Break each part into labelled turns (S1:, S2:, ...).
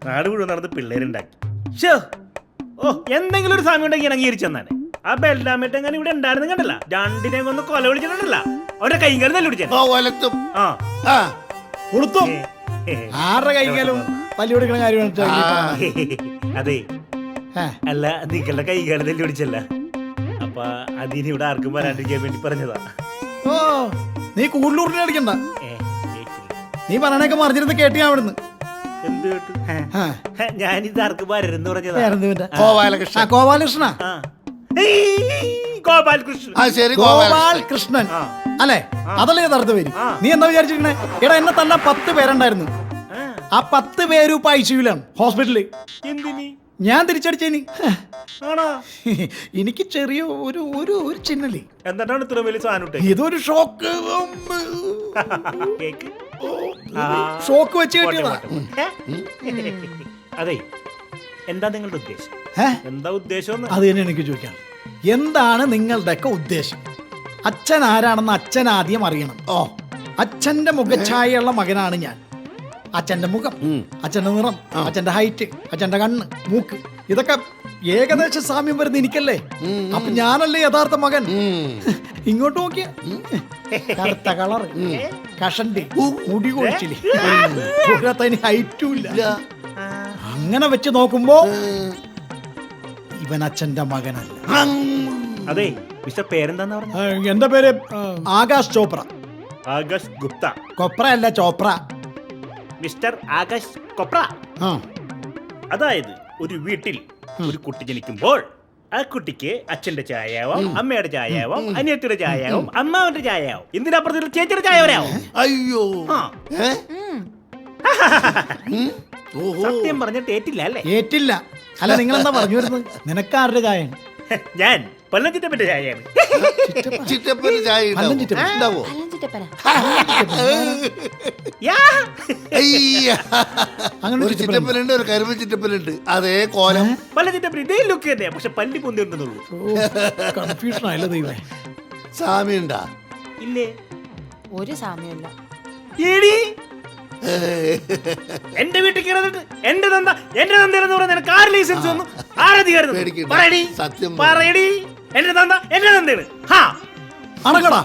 S1: നാട് മുഴുവൻ നടന്ന് പിള്ളേരുണ്ടാക്കി. ഷോ ഓ എന്തെങ്കിലും ഒരു സമയം ഉണ്ടെങ്കിൽ അംഗീകരിച്ചു തന്നാണ്. ആ ബെല്ലാമേട്ട് എങ്ങനെ ഇവിടെ ഉണ്ടായിരുന്നു കണ്ടല്ല, രണ്ടിനെ ഒന്ന് കൊല വിളിച്ചിട്ടുണ്ടല്ല, അവരുടെ കൈകാലം തല്ലി പിടിച്ചു.
S2: ആരുടെ കൈകാലും തല്ലി പിടിക്കണ കാര്യമാണ്.
S1: അതെ അല്ല, നിങ്ങളുടെ കൈകാലം തല്ലി പിടിച്ചല്ല, അപ്പൊ അതിന് ഇവിടെ ആർക്കും വരാണ്ടിരിക്കാൻ വേണ്ടി പറഞ്ഞതാ.
S2: ഓ നീ കൂടുതലൂറിനെ അടിക്കണ്ട, നീ പറയണൊക്കെ മറിഞ്ഞിരുന്ന് കേട്ടി ഞാൻ അവിടുന്ന്.
S1: എന്ത് കേട്ടു? ഞാനിത് ആർക്കും വരരുന്ന് പറഞ്ഞതാ.
S2: ഗോപാലകൃഷ്ണ ഗോപാലകൃഷ്ണൻ അല്ലെ, അതല്ലേ യഥാർത്ഥ പേര്. നീ എന്താ വിചാരിച്ചിരിക്കണേ? എടാ എന്നെ തന്നെ 10 പേരുണ്ടായിരുന്നു. ആ 10 പേരും ഇപ്പൊ ഐസിയുലാണ്, ഹോസ്പിറ്റലിൽ. ഞാൻ തിരിച്ചടിച്ചേനി. എനിക്ക് ചെറിയ ഒരു ഒരു ഒരു ചിഹ്നല്ലേ.
S1: എന്താണ് ഇത്ര വലിയ സാധനം?
S2: ഇതൊരു ഷോക്ക് ഷോക്ക് വെച്ച് കിട്ടിയതാ.
S1: അതെ, എന്താ നിങ്ങളുടെ ഉദ്ദേശം? എന്താ ഉദ്ദേശം?
S2: അത് തന്നെ എനിക്ക് ചോദിക്കാം. എന്താണ് നിങ്ങളുടെയൊക്കെ ഉദ്ദേശം? അച്ഛൻ ആരാണെന്ന് അച്ഛൻ ആദ്യം അറിയണം. ഓ, അച്ഛന്റെ മുഖഛായയുള്ള മകനാണ് ഞാൻ. അച്ഛന്റെ മുഖം, അച്ഛന്റെ നിറം, അച്ഛന്റെ ഹൈറ്റ്, അച്ഛന്റെ കണ്ണ്, മൂക്ക്, ഇതൊക്കെ ഏകദേശം സാമ്യം വരുന്ന എനിക്കല്ലേ. അപ്പൊ ഞാനല്ലേ യഥാർത്ഥ മകൻ. ഇങ്ങോട്ട് നോക്കിയ കറുത്ത കളറ്, കഷണ്ടി, മുടി കൊഴിച്ചില്, ഹൈറ്റും ഇല്ല. അങ്ങനെ വെച്ച് നോക്കുമ്പോ ഇവൻ അച്ഛന്റെ മകനല്ല.
S1: അതെ, മിസ്റ്റർ പേരെന്താന്ന് പറഞ്ഞു?
S2: എന്റെ പേര് ആകാശ് ചോപ്ര.
S1: ആകാശ് ഗുപ്ത.
S2: കൊപ്ര അല്ല, ചോപ്ര.
S1: മിസ്റ്റർ ആകാശ് കൊപ്ര. അതായത് ഒരു വീട്ടിൽ ഒരു കുട്ടി ജനിക്കുമ്പോൾ ആ കുട്ടിക്ക് അച്ഛന്റെ ചായയാവാം, അമ്മയുടെ ചായയാവാം, അനിയത്തിയുടെ ചായയാവും, അമ്മാവന്റെ ചായയാവും, ഇതിനപ്പുറത്ത് ചേച്ചിയുടെ ചായ വരാവും.
S3: അയ്യോ,
S1: സത്യം പറഞ്ഞിട്ട് ഏറ്റില്ല അല്ലേ?
S2: ഏറ്റില്ല. അല്ല, നിങ്ങളെന്താ പറഞ്ഞു വരുന്നത്? നിനക്കാരുടെ ചായ?
S1: ഞാൻ പല്ലഞ്ചിറ്റപ്പന്റെ ചായയാണ്.
S3: ചിറ്റപ്പന് ചായ ഉണ്ടാവോ? ഒരു ചിറ്റപ്പനുണ്ട്, ഒരു കരിമ്പ് ചിറ്റപ്പനുണ്ട്. അതേ കോലം
S1: പല്ലഞ്ചിറ്റപ്പൻ ഇതേ ലുക്ക് തന്നെ, പക്ഷെ പല്ലി പൊന്തി ഉണ്ടെന്നുള്ളൂ.
S2: കൺഫ്യൂഷൻ ആയല്ലോ ദൈവമേ.
S3: സാമ്യണ്ടാ?
S1: ഇല്ലേ,
S4: ഒരു സാമ്യമില്ല.
S1: എന്റെ വീട്ടിൽ കയറിട്ട് എന്റെ തന്ത എന്ന് പറഞ്ഞ നിനക്ക് ആര് ലൈസൻസ് വന്നു? ആരധികാരം? പറയടി. എന്റെ തന്ത എന്റെ തന്തയാണ്.
S2: അണക്കടാ,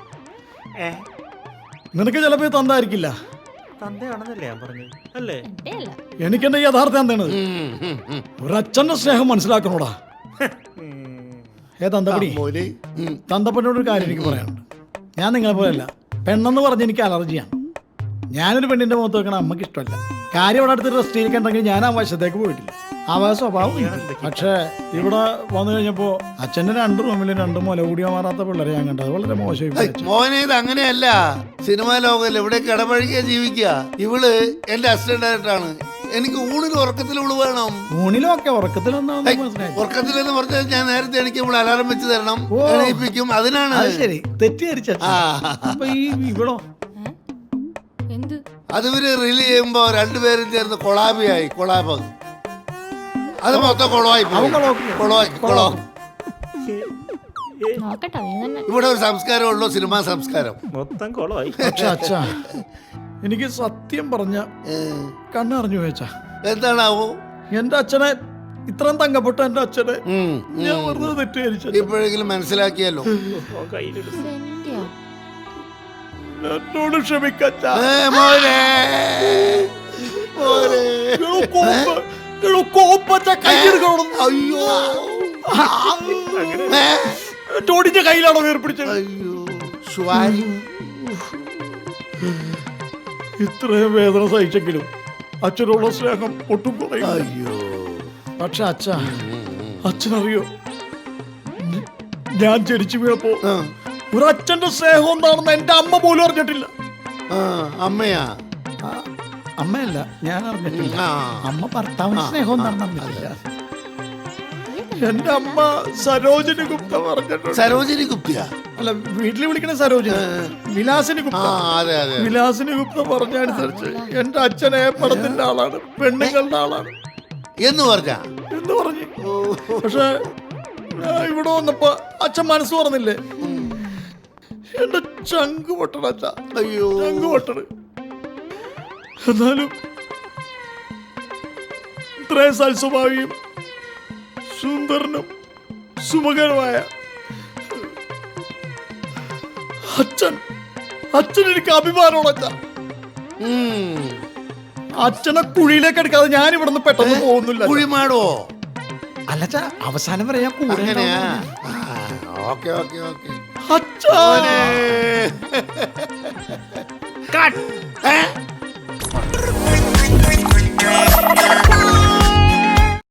S2: നിനക്ക് ചിലപ്പോ തന്തായിരിക്കില്ല.
S1: തന്തയാണെന്നല്ലേ ഞാൻ പറഞ്ഞത് അല്ലേ?
S2: എനിക്കെന്റെ യഥാർത്ഥം എന്താണ്? ഒരച്ഛന്റെ സ്നേഹം മനസ്സിലാക്കണോടാ. തന്തപ്പടി, തന്തപ്പനോടൊരു കാര്യം എനിക്ക് പറയാനുണ്ട്. ഞാൻ നിങ്ങളെ പോലെയല്ല, പെണ്ണെന്ന് പറഞ്ഞ് എനിക്ക് അലർജിയാണ്. ഞാനൊരു പെണ്ണിന്റെ മുഖത്ത് വെക്കണ അമ്മക്ക് ഇഷ്ടമല്ല. കാര്യം അവിടെ അടുത്ത് റെസ്റ്റ് ചെയ്തിട്ടുണ്ടെങ്കിൽ ഞാൻ ആ വശത്തേക്ക് പോയിട്ടില്ല. ആ സ്വഭാവം. പക്ഷേ ഇവിടെ വന്നു കഴിഞ്ഞപ്പോ അച്ഛന്റെ 2 റൂമിൽ 2 മുല കൂടിയോ മാറാത്ത പിള്ളേരെ ഞാൻ കണ്ടത് വളരെ മോശമായി.
S3: മോനെ, ഇത് അങ്ങനെയല്ല. സിനിമാ ലോകമല്ല, ഇവിടെ കിടപഴകിയ ജീവിക്കുക. ഇവള് എന്റെ അസിസ്റ്റന്റ് ആയിട്ടാണ്. എനിക്ക് ഊണിലും ഉറക്കത്തിൽ ഇവള് വേണം.
S2: ഊണിലും ഒക്കെ ഉറക്കത്തിലെന്ന്
S3: പറഞ്ഞാൽ ഞാൻ നേരത്തെ എനിക്ക് ഇവിടെ അലാറം വെച്ച് തരണം, എണീപ്പിക്കും. അതിനാണ്.
S2: ശരി, തെറ്റിദ്ധരിച്ച. ഇവിടോ
S3: അത് ഇവര് റിലീ ചെയ്യുമ്പോ 2 പേരും ചേർന്ന് കൊളാബിയായി. കൊളാബ് അത് മൊത്തം കൊളമായി. ഇവിടെ ഒരു സംസ്കാരമുള്ളൂ, സിനിമാ സംസ്കാരം.
S1: മൊത്തം കൊളമായി.
S2: അച്ഛാ, എനിക്ക് സത്യം പറഞ്ഞ കണ്ണറിഞ്ഞു വെച്ചാ.
S3: എന്താണാവോ?
S2: എന്റെ അച്ഛനെ, ഇത്രയും തങ്കപ്പെട്ട എന്റെ അച്ഛനെ ഞാൻ വെറുതെ തെറ്റിദ്ധരിച്ചു.
S3: ഇപ്പോഴെങ്കിലും മനസ്സിലാക്കിയല്ലോ.
S2: എന്നോട് ക്ഷമിക്കച്ചാ.
S3: അയ്യോ,
S2: ടോണിന്റെ കയ്യിലാണോ ഏർപ്പിടിച്ചത്? ഇത്രയും വേദന സഹിച്ചെങ്കിലും അച്ഛനുള്ള സ്നേഹം ഒട്ടും കുറയും.
S3: അയ്യോ,
S2: പക്ഷെ അച്ഛനറിയോ, ഞാൻ ജനിച്ചു വീണപ്പോ ഒരു അച്ഛന്റെ സ്നേഹം എന്താണെന്ന് എന്റെ അമ്മ പോലും അറിഞ്ഞിട്ടില്ല.
S3: അമ്മയാ?
S2: അമ്മയല്ല, ഞാൻ അറിഞ്ഞിട്ടില്ല. അമ്മ ഭർത്താവിന്റെ സ്നേഹം എന്താണെന്ന് അറിഞ്ഞിട്ടില്ല. എന്റെ അമ്മ സരോജിനി ഗുപ്ത പറഞ്ഞിട്ടുണ്ട്.
S3: സരോജിനി ഗുപ്ത
S2: അല്ല, വീട്ടിൽ വിളിക്കണ സരോജിനി, വിലാസിനി ഗുപ്ത. വിലാസിനി ഗുപ്ത പറഞ്ഞനുസരിച്ച് എന്റെ അച്ഛനെ പടത്തിന്റെ ആളാണ്, പെണ്ണുങ്ങളുടെ ആളാണ്
S3: എന്ന് പറഞ്ഞു.
S2: പക്ഷെ ഇവിടെ വന്നപ്പോ അച്ഛൻ മനസ്സ് പറഞ്ഞില്ലേ, എന്റെ ചങ്ക് പൊട്ടണ അച്ഛ.
S3: അയ്യോ,
S2: ചങ്ക് പൊട്ടണ്. എന്നാലും ഇത്രയും സൽസ്വഭാവിയും സുന്ദരനും സുമുഖനുമായ അച്ഛൻ എനിക്ക് അഭിമാനമുള്ള അച്ഛനെ കുഴിയിലേക്ക് എടുക്കാതെ ഞാൻ ഇവിടെ നിന്ന് പെട്ടെന്ന് പോകുന്നില്ല.
S3: കുഴിമാടോ?
S2: അല്ലച്ചാ, അവസാനം വരെ ഞാൻ കൂടെ
S3: അങ്ങനെയാ?
S2: ഉണ്ടാവും.
S3: Okay okay okay.
S2: അച്ഛാ
S1: കട്ട്.